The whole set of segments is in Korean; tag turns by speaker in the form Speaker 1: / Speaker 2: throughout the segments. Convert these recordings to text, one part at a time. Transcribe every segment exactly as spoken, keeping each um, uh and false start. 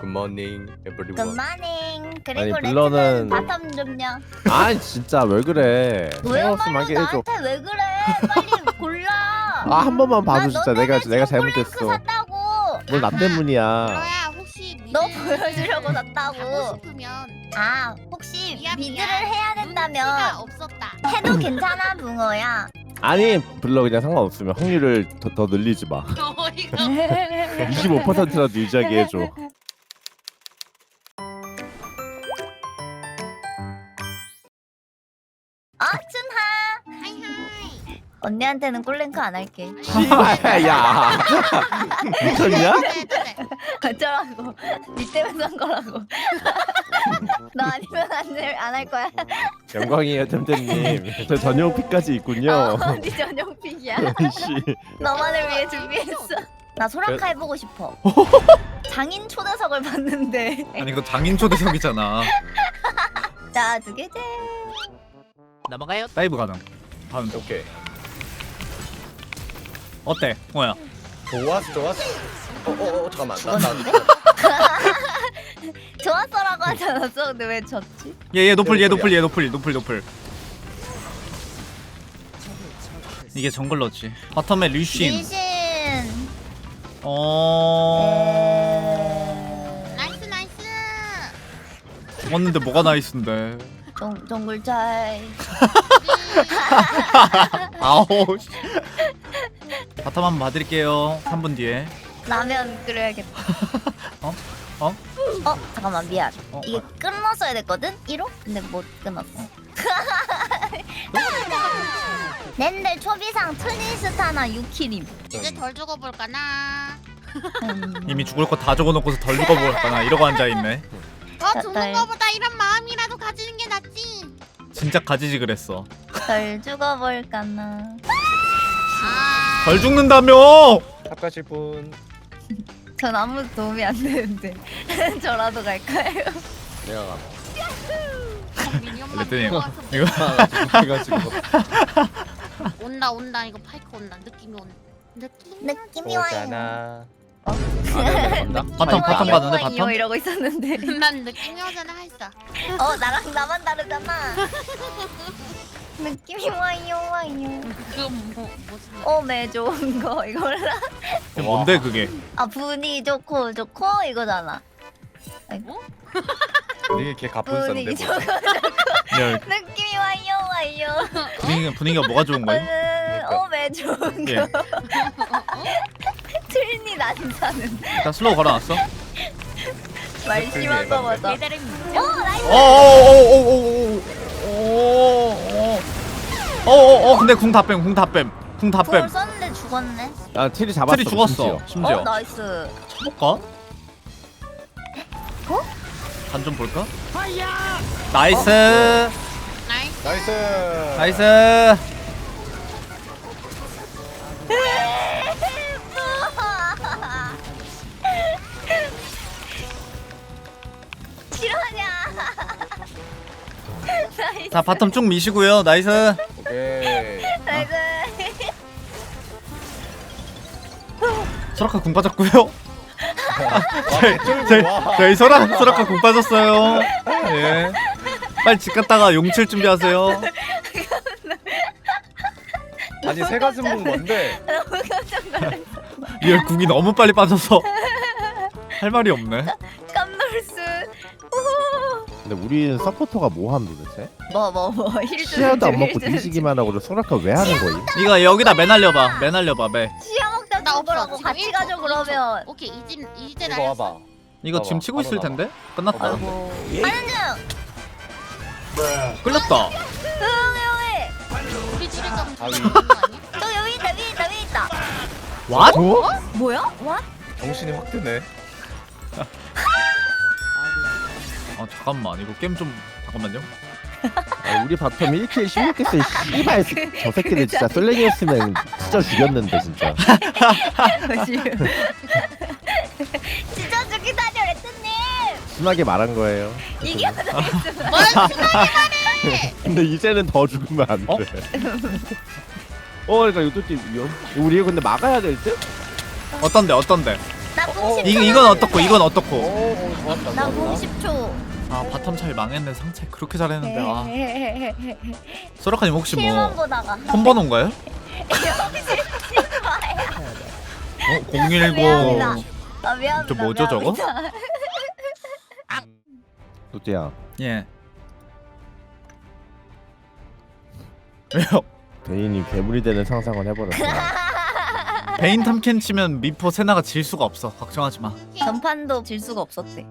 Speaker 1: 굿모닝 에브리원.
Speaker 2: 굿모닝. 그리고
Speaker 3: 아니,
Speaker 2: 레트는
Speaker 3: 블러는-
Speaker 2: 바텀 좀요.
Speaker 3: 아니 진짜 왜 그래?
Speaker 2: 왜
Speaker 3: 생각없으면 하게 해줘.
Speaker 2: 나한테 왜 그래? 빨리 골라.
Speaker 3: 아 한 번만 봐줘
Speaker 2: 나
Speaker 3: 진짜.
Speaker 2: 너
Speaker 3: 내가
Speaker 2: 때문에
Speaker 3: 내가
Speaker 2: 지금 콜랭크
Speaker 3: 잘못했어.
Speaker 2: 샀다고.
Speaker 3: 뭘 나 때문이야.
Speaker 4: 그래야 혹시 미드
Speaker 2: 너 보여주려고
Speaker 4: 하고
Speaker 2: 샀다고.
Speaker 4: 싶으면
Speaker 2: 아 혹시
Speaker 4: 미안,
Speaker 2: 미드를
Speaker 4: 미안.
Speaker 2: 해야
Speaker 4: 눈치가
Speaker 2: 된다면
Speaker 4: 없었다.
Speaker 2: 해도 괜찮아 붕어야.
Speaker 3: 아니 블러 그냥 상관없으면 확률을 더, 더 늘리지 마.
Speaker 4: 어이가
Speaker 3: 이십오 퍼센트라도 유지하게 해줘.
Speaker 2: 어 춘하.
Speaker 4: 하이하이.
Speaker 2: 언니한테는 꿀랭크 안 할게.
Speaker 3: 씨발 야. 미쳤냐?
Speaker 4: 네네네.
Speaker 2: 어쩌라고. 니 때문에 산 거라고. 너 아니면 안할 거야.
Speaker 3: 영광이에요 템템님. 저 전용 픽까지 있군요.
Speaker 2: 어, 니 전용 픽이야.
Speaker 3: 씨.
Speaker 2: 너만을 위해 준비했어. 나 소라카 해보고 싶어. 장인 초대석을 봤는데.
Speaker 5: 아니 이거 장인 초대석이잖아.
Speaker 2: 자, 두 개째.
Speaker 5: 넘어가요. 다이브 가능. 다음
Speaker 1: 오케이.
Speaker 5: 어때? 뭐야?
Speaker 1: 좋았어 좋았어. 어어 어, 잠깐만. 나 나.
Speaker 2: 죽었는데? 좋았어라고 하지 않았어? 근데 왜 졌지?
Speaker 5: 얘얘 노플 얘 노플 얘 노플 노플 노플. 이게 정글러지. 바텀에 류신.
Speaker 2: 리신.
Speaker 5: 어.
Speaker 4: 나이스 나이스.
Speaker 5: 죽었는데 뭐가 나이스인데.
Speaker 2: 정 정글 차이.
Speaker 5: 아우. 씨. 바텀 한번 봐드릴게요. 삼 분 뒤에.
Speaker 2: 라면 끓여야겠다.
Speaker 5: 어? 어?
Speaker 2: 어 잠깐만 미안.
Speaker 5: 어?
Speaker 2: 이게 끊었어야 됐거든? 일 호? 근데 못 끊었어. 낸들 초비상 트니스타나 유키림.
Speaker 4: 이제 덜 죽어볼까나.
Speaker 2: 음,
Speaker 5: 이미 죽을 거 다 적어놓고서 덜 죽어버렸다나 이러고 앉아있네.
Speaker 4: 더
Speaker 2: 나-
Speaker 4: 죽는
Speaker 2: 날-
Speaker 4: 거보다 이런 마음이라도 가지는 게 낫지.
Speaker 5: 진짜 가지지 그랬어.
Speaker 2: 덜 죽어볼까나.
Speaker 4: 아.
Speaker 5: 덜 죽는다며!
Speaker 1: 탑 가실 분.
Speaker 2: 전 아무 도움이 안 되는데 저라도 갈까요?
Speaker 1: 내가 가.
Speaker 4: 미니언만
Speaker 5: 레트님
Speaker 4: 모아서
Speaker 5: 이거
Speaker 1: 해가지고.
Speaker 4: 온다 온다 이거 파이크 온다 느낌이 온다. 느낌.
Speaker 2: 느낌이 와요.
Speaker 1: 오잖아.
Speaker 5: 바텀 바텀 가는데
Speaker 2: 이요
Speaker 5: 바텀?
Speaker 2: 이러고 있었는데.
Speaker 4: 난 느낌이 오잖아 했어.
Speaker 2: 어 나랑 나만 다르잖아. 느낌이 와요 와요.
Speaker 4: 그건 뭐 무슨 말?
Speaker 2: 어매 좋은 거 이거라.
Speaker 5: 이게 뭔데 그게?
Speaker 2: 아 분위기 좋고 좋고 이거잖아.
Speaker 1: 이게 걔 가쁜
Speaker 2: 분위기
Speaker 1: 싼데 뭐.
Speaker 2: 좋고
Speaker 5: 야,
Speaker 2: 느낌이 와요 와요.
Speaker 5: 분위기가 분위기가 뭐가 좋은 거야?
Speaker 2: 어매 좋은
Speaker 5: 예.
Speaker 2: 거. 틀니 난사는
Speaker 5: 일단 슬로우 걸어놨어.
Speaker 2: 말심한 거 맞아. 어 나이스.
Speaker 5: 어어어어어어어어어 근데 궁 다 뺨, 궁 다 뺨, 궁 다
Speaker 2: 그걸
Speaker 5: 뺨.
Speaker 2: 썼는데 죽었네.
Speaker 3: 아 틀이 잡았어.
Speaker 5: 틀이 죽었어.
Speaker 3: 심지어.
Speaker 5: 심지어.
Speaker 2: 어 나이스.
Speaker 5: 볼까?
Speaker 2: 어?
Speaker 5: 간 좀 볼까? 나이스,
Speaker 4: 나이스.
Speaker 1: 나이스.
Speaker 5: 나이스.
Speaker 2: 싫어하냐? 나이스.
Speaker 5: 자 바텀 쭉 미시고요. 나이스.
Speaker 1: 오케이.
Speaker 2: 나이스.
Speaker 5: 소라카 궁 빠졌고요. 저희 저희
Speaker 1: 와.
Speaker 5: 저희 소라 소라카 궁 빠졌어요. 예. 빨리 집 갔다가 용칠 준비하세요.
Speaker 1: 아니 새 가슴 분 뭔데?
Speaker 2: 너무 깜짝 놀랐어.
Speaker 5: 리얼 궁이 너무 빨리 빠져서 할 말이 없네.
Speaker 2: 깜놀스.
Speaker 3: 근데 우리는 서포터가 뭐함 도대체?
Speaker 2: 뭐뭐 뭐. 힐
Speaker 3: 시야도 안 먹고 뒤지기만 하고 소라카 왜 하는 거임?
Speaker 5: 이거 여기다 매날려봐. 매날려봐 매.
Speaker 2: 시야 먹다
Speaker 4: 나
Speaker 2: 죽으라고
Speaker 4: 없어.
Speaker 2: 같이
Speaker 4: 지금
Speaker 2: 가죠
Speaker 4: 일 초,
Speaker 2: 그러면.
Speaker 4: 일 초. 오케이 이제 이제
Speaker 1: 이거
Speaker 4: 나.
Speaker 1: 와봐.
Speaker 5: 이거 지금 치고 있을 텐데 끝났다.
Speaker 2: 아이고. 하는 중.
Speaker 5: 끌렸다.
Speaker 2: 응용해.
Speaker 4: 우리 집에 가면
Speaker 1: 아위.
Speaker 4: 되는 거 아니야?
Speaker 2: 저 여기 있다 위에 있다 위에 있다.
Speaker 5: 왓?
Speaker 3: 어?
Speaker 2: 뭐야? 와?
Speaker 1: 정신이 확 드네.
Speaker 5: 아 잠깐만 이거 게임 좀 잠깐만요.
Speaker 3: 아, 우리 바텀 일 킬 십육 개 쓰 씨발 저 새끼들 진짜 솔랭이었으면 진짜 죽였는데 진짜.
Speaker 2: 진짜 죽기 다녀 레트님.
Speaker 3: 심하게 말한 거예요.
Speaker 2: 이게
Speaker 4: 뭘 신나게
Speaker 3: 근데 이제는 더 죽으면 안 돼.
Speaker 5: 어?
Speaker 3: 어, 그러니까 이거 또 위험. 우리 이거 근데 막아야 될 듯?
Speaker 5: 어떤데 어떤데?
Speaker 2: 나 공 십 초.
Speaker 5: 이 이건 어떻고 이건
Speaker 1: 오,
Speaker 5: 어떻고.
Speaker 1: 오 좋았다.
Speaker 2: 나 공
Speaker 1: 좋았다.
Speaker 2: 십 초.
Speaker 5: 아 바텀 차이 망했네. 상체 그렇게 잘했는데. 아
Speaker 2: 네.
Speaker 5: 소라카님 혹시 뭐
Speaker 2: 실만 보다가.
Speaker 5: 폰번호인가요? 어 공일공.
Speaker 2: 미안합니다. 아 미안합니다.
Speaker 5: 저 뭐죠, 저거?
Speaker 2: 미안합니다.
Speaker 3: 노띠야
Speaker 5: 예. 왜요?
Speaker 3: 베인이 괴물이 되는 상상을 해버렸어.
Speaker 5: 베인 탐켄 치면 미포 세나가 질 수가 없어. 걱정하지 마.
Speaker 2: 전판도 질 수가 없었대.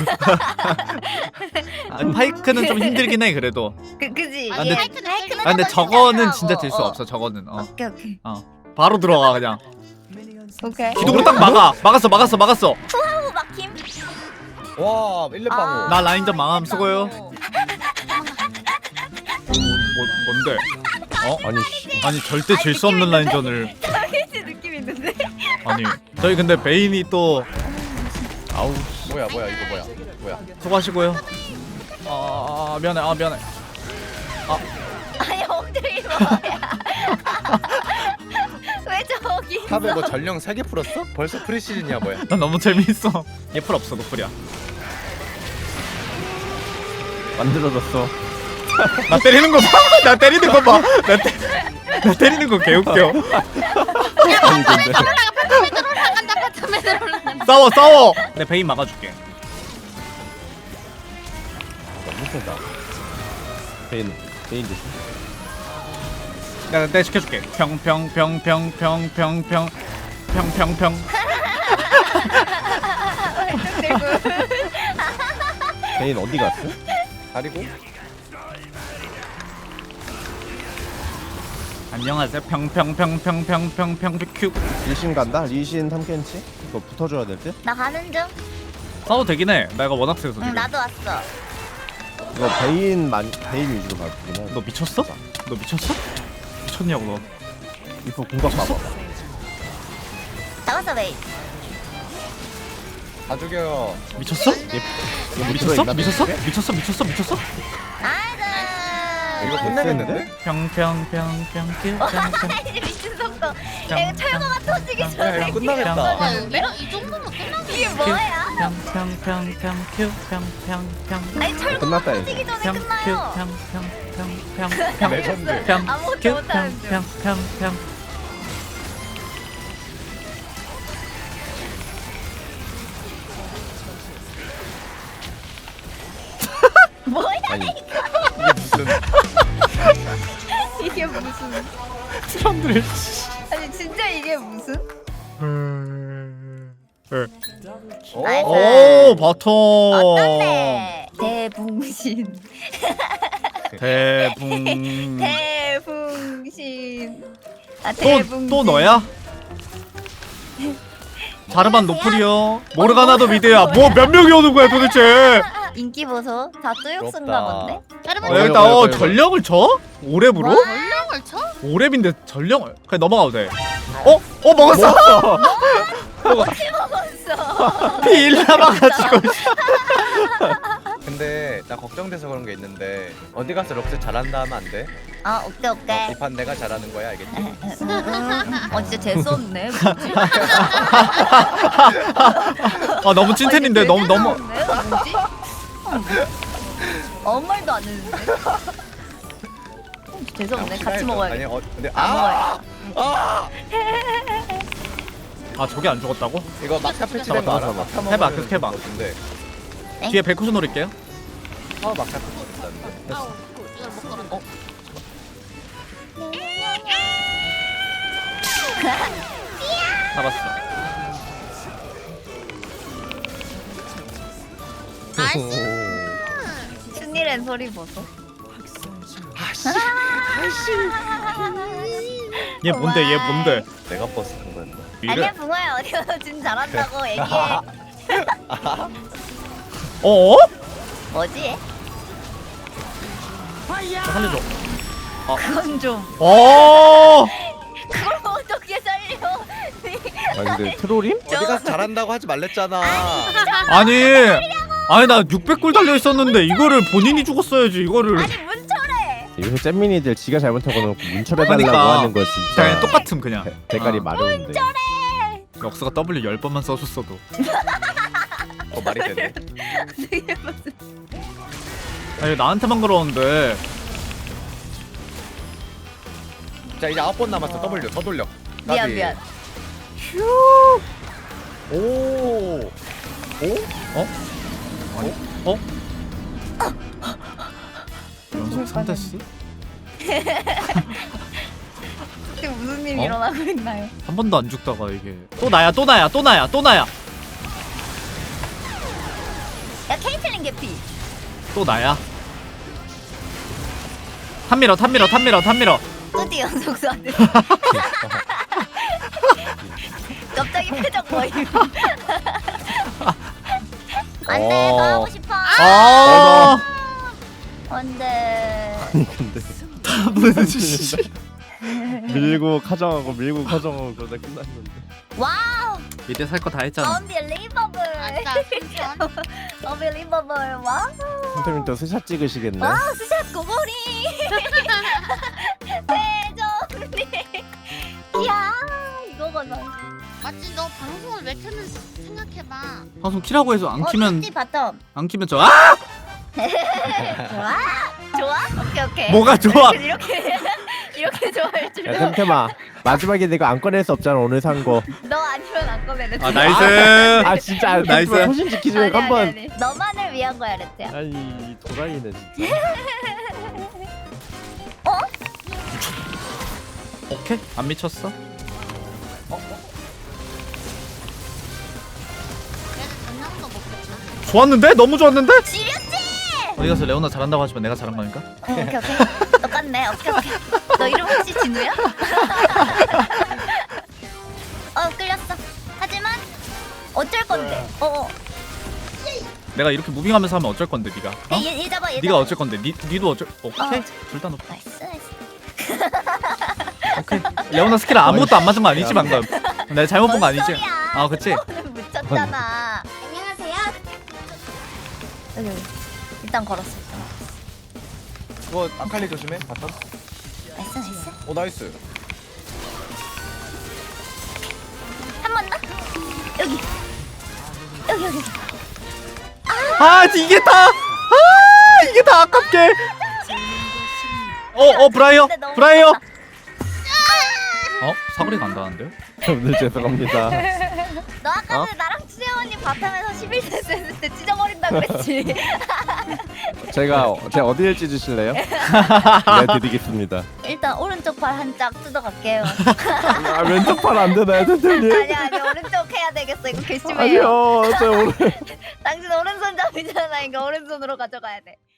Speaker 5: 아, 파이크는 좀 힘들긴 해 그래도.
Speaker 2: 그 그지.
Speaker 5: 아, 근데-
Speaker 4: 하이크는 하이크는
Speaker 5: 아 근데
Speaker 2: 한번
Speaker 5: 저거는
Speaker 2: 시작하고.
Speaker 5: 진짜 질 수
Speaker 2: 어.
Speaker 5: 없어. 저거는. 어.
Speaker 2: 오케이 오케이.
Speaker 5: 바로 들어가 그냥.
Speaker 2: 오케이.
Speaker 5: 기둥으로 딱 막아. 막았어 막았어 막았어.
Speaker 2: 투하우 막힘.
Speaker 1: 와 일렙방어.
Speaker 5: 나 라인전 망함 수고요. 뭐, 뭔데? 어?
Speaker 3: 아니 씨.
Speaker 5: 아니 절대 질 수 없는 라인전을.
Speaker 2: 타겟이 느낌 있는데.
Speaker 5: 아니 저희 근데 베인이 또 아우
Speaker 1: 뭐야 뭐야 이거 뭐야 뭐야.
Speaker 5: 수고하시고요. 아, 아 미안해 아 미안해.
Speaker 2: 아니 엉덩이 뭐야? 왜 저기?
Speaker 1: 탑에 뭐 전령 세 개 풀었어? 벌써 프리시즌이야 뭐야?
Speaker 5: 나 너무 재밌어. 얘풀 없어 노플이야.
Speaker 3: 만들어졌어.
Speaker 5: 나 때리는 거 봐. 나 때리는 거 봐. 나, 때, 나 때리는 거 개웃겨.
Speaker 3: 아니 근데
Speaker 4: 바텀에 올라간다 바텀에 올라간다.
Speaker 5: 싸워 싸워. 내 베인 막아줄게.
Speaker 3: 너무 세다. 베인 베인 조심.
Speaker 5: 내가 내가 시켜줄게. 평평평평평평평 평평평.
Speaker 3: 베인 어디 갔어?
Speaker 1: 가리고
Speaker 5: 안녕하세요. 평평평평평평평 큐.
Speaker 3: 리신 간다. 리신 탐켄치. 이거 붙어줘야 될 듯.
Speaker 2: 나 가는 중.
Speaker 5: 싸워도 되긴 해. 내가 워낙 세서 지금.
Speaker 2: 응 나도 왔어.
Speaker 3: 이거 베인 만 베인 위주로 가주긴 해.
Speaker 5: 너 미쳤어? 너 미쳤어? 미쳤냐고 너.
Speaker 3: 이거 공각 봐봐.
Speaker 2: 나갔어 베이.
Speaker 1: 다 죽여요.
Speaker 5: 미쳤어?
Speaker 3: 이거
Speaker 5: 미쳤어?
Speaker 3: 있나?
Speaker 5: 미쳤어? 미쳤어? 미쳤어? 미쳤어?
Speaker 2: 아이고.
Speaker 1: 이거 끝내겠는데?
Speaker 5: 평평평평 큐 평평.
Speaker 2: 이제 미친 속도. 야 이거 철거가 터지기
Speaker 1: 야
Speaker 2: 전에.
Speaker 1: 이거 끝나겠다.
Speaker 4: 아, 이런 이 정도면 끝나지.
Speaker 2: 이게 뭐야?
Speaker 5: 평평평평 큐 평평평
Speaker 2: 아니 철거가
Speaker 3: 끝났다,
Speaker 2: 터지기 전에
Speaker 5: 평 큐
Speaker 2: 끝나요.
Speaker 5: 평평평평평
Speaker 1: 레전드.
Speaker 5: 평
Speaker 2: 아무것도
Speaker 5: 큐
Speaker 2: 못하는 중.
Speaker 5: 평평평평.
Speaker 2: 뭐야
Speaker 3: 아니
Speaker 1: 이게 무슨
Speaker 2: 이게 무슨?
Speaker 5: 사람들.
Speaker 2: 아니 진짜 이게 무슨?
Speaker 1: 오.
Speaker 5: 오 바텀.
Speaker 2: 어떤데? 대붕신.
Speaker 5: 대붕.
Speaker 2: 대붕신. 아 대붕신.
Speaker 5: 또 또 너야? 자르반 노플이요. 모르가나도 미드야. 뭐 몇 명이 오는 거야 도대체?
Speaker 2: 인기 보소. 다 뚜육쓴가
Speaker 1: 부럽다.
Speaker 2: 본데?
Speaker 4: 여러분
Speaker 5: 어,
Speaker 1: 어,
Speaker 5: 여기다
Speaker 1: 이거,
Speaker 5: 어
Speaker 1: 이거, 이거.
Speaker 5: 전령을 쳐? 오 렙으로?
Speaker 4: 전령을 쳐?
Speaker 5: 오 렙인데 전령을 그냥 넘어가도 돼. 어? 어 먹었어?
Speaker 2: 먹었어.
Speaker 5: 피 일 남아가지고.
Speaker 1: 근데 나 걱정돼서 그런 게 있는데 어디 가서 럭스 잘한다 하면 안 돼?
Speaker 2: 아 오케이 오케이.
Speaker 1: 이 판 내가 잘하는 거야 알겠지?
Speaker 2: 음, 어 진짜 재수 없네.
Speaker 5: 아 너무 찐텐인데 너무 너무.
Speaker 2: 뭐지? 아무 말도 안 했는데. 재수 없네. 같이 먹어야겠다.
Speaker 1: 아니 어 근데
Speaker 2: 안
Speaker 1: 아!
Speaker 2: 먹어야겠다.
Speaker 1: 아!
Speaker 5: 아 저게 안 죽었다고?
Speaker 1: 이거 막타 패치된 거 알아?
Speaker 3: 잡아,
Speaker 1: 막타
Speaker 5: 해봐,
Speaker 1: 먹으면
Speaker 5: 계속 해봐.
Speaker 1: 근데
Speaker 2: 네?
Speaker 5: 뒤에 백호수 노릴게요.
Speaker 1: 아 막타 패치됐다는데.
Speaker 4: 아우 이걸 못 걸었네.
Speaker 5: 잡았어.
Speaker 4: 나이스.
Speaker 2: 춘이란 소리 보소.
Speaker 5: 얘 뭔데? 얘 뭔데?
Speaker 1: 내가 버스 간 거였나?
Speaker 2: 아니야
Speaker 5: 이래?
Speaker 2: 붕어야 어디 가서 진 잘한다고 얘기해.
Speaker 5: 어?
Speaker 2: 뭐지?
Speaker 5: 살려줘.
Speaker 2: 그건 좀.
Speaker 5: 어.
Speaker 2: 그걸 어떻게 살려?
Speaker 3: 아 근데 트롤임?
Speaker 1: 어디 가서 잘한다고 하지 말랬잖아.
Speaker 5: 아니. 아니 나 육백 골 달려 있었는데 이거를 본인이 죽었어야지 이거를.
Speaker 2: 아니 문철해.
Speaker 3: 요새 잼민이들 지가 잘못하고 놓고 문철해달라고
Speaker 5: 그러니까.
Speaker 3: 하는 거 진짜
Speaker 5: 그냥 똑같음 그냥.
Speaker 3: 대- 대가리
Speaker 5: 어.
Speaker 3: 마려운데.
Speaker 5: 럭스가 W 열 번만 써줬어도.
Speaker 1: 어 말이 되네.
Speaker 2: 되게 무슨
Speaker 5: 아니 나한테만 그러는데.
Speaker 1: 자 이제 아홉 번 남았어. W 더 돌려.
Speaker 2: 미안
Speaker 1: 까비.
Speaker 2: 미안.
Speaker 1: 오. 오?
Speaker 5: 어? 어? 연속 삼 대스?
Speaker 2: 지금 무슨 일이
Speaker 5: 어?
Speaker 2: 일어나고 있나요?
Speaker 5: 한 번도 안 죽다가 이게 또 나야 또 나야 또 나야 또 나야
Speaker 2: 야 케이틀린 개피.
Speaker 5: 또 나야. 탑밀어 탑밀어 탑밀어 탑밀어.
Speaker 2: 뚜디 연속 쏴대. 갑자기 표정 보임. 안돼
Speaker 1: 어.
Speaker 2: 더 하고 싶어.
Speaker 5: 아
Speaker 2: 안돼.
Speaker 3: 근데
Speaker 5: 탑은 씨.
Speaker 3: 밀고 가정하고 밀고 가정하고 그러다 끝났는데.
Speaker 2: 와우.
Speaker 5: 미대 살 거 다 했잖아.
Speaker 2: Unbelievable.
Speaker 4: 아싸 삼천.
Speaker 2: Unbelievable. 와우.
Speaker 3: 선생님 또 스샷 찍으시겠네.
Speaker 2: 와 스샷 고고리. 대정님. 이야 이거거든.
Speaker 4: 맞지 너 방송을 왜 켰는지 생각해봐.
Speaker 5: 방송 키라고 해서 안 키면
Speaker 2: 어, 뚜디 바텀.
Speaker 5: 안 키면 저 아!
Speaker 2: 좋아? 좋아? 오케이 오케이.
Speaker 5: 뭐가 좋아?
Speaker 2: 이렇게 이렇게 좋아할 줄.
Speaker 3: 야 템템아 마지막에 내가 안 꺼낼 수 없잖아 오늘 산 거.
Speaker 2: 너 아니면 안 꺼내는.
Speaker 5: 아 나이스.
Speaker 3: 아 진짜
Speaker 5: 나이스.
Speaker 3: 템템아 소신 지키지 말고 한번.
Speaker 2: 너만을 위한 거야 레트야.
Speaker 3: 아니 이 도라이네 진짜.
Speaker 5: 오케이 안 미쳤어.
Speaker 4: 그래도 전형도 먹겠다.
Speaker 5: 좋았는데 너무 좋았는데.
Speaker 2: 지렸지?
Speaker 5: 어디 가서 레오나 잘한다고 하지만 내가 잘한 거니까.
Speaker 2: 어, 오케이 오케이. 똑같네. 오케이 오케이. 너 이름 혹시 진우야? 어 끌렸어. 하지만 어쩔 건데. 어. 어.
Speaker 5: 내가 이렇게 무빙하면서 하면 어쩔 건데 네가. 어?
Speaker 2: 얘, 얘 잡아 얘
Speaker 5: 네가
Speaker 2: 잡아.
Speaker 5: 어쩔 건데. 니 니도 어쩔. 오케이
Speaker 2: 어.
Speaker 5: 둘 다 높아.
Speaker 2: 나이스 나이스.
Speaker 5: 오케이. 레오나 스킬 아무것도 안 맞은 거 아니지 방금. 내가 잘못 본 거 아니지?
Speaker 2: 뭔 소리야.
Speaker 5: 아 그치.
Speaker 2: 오늘 묻혔잖아. 안녕하세요. 여기 여기. 일단 걸었어. 일단.
Speaker 1: 그거 아칼리 조심해. 바텀.
Speaker 2: 나이스 나이스.
Speaker 1: 오 나이스.
Speaker 2: 한 번 더. 여기. 여기 여기.
Speaker 5: 아 이게 다. 아 이게 다 아깝게. 어어 브라이어
Speaker 2: 근데 너무
Speaker 5: 브라이어.
Speaker 2: 아깝다.
Speaker 5: 어 사거리가 안 닿는데요?
Speaker 3: 오늘 죄송합니다.
Speaker 2: 너 아까
Speaker 3: 어?
Speaker 2: 나랑 수영 언니 바텀에서 십일 세트 했을 때 찢어버린다 그랬지.
Speaker 3: 제가 제가 어디를 찢으실래요? 네 드리겠습니다.
Speaker 2: 일단 오른쪽 팔 한 짝 뜯어갈게요.
Speaker 3: 아 왼쪽 팔 안 되나요 선생님?
Speaker 2: 아니 아니 오른쪽 해야 되겠어. 이거 괘씸해요.
Speaker 3: 아니요 저 오늘
Speaker 2: 당신 오른손잡이잖아. 이거 오른손으로 가져가야 돼.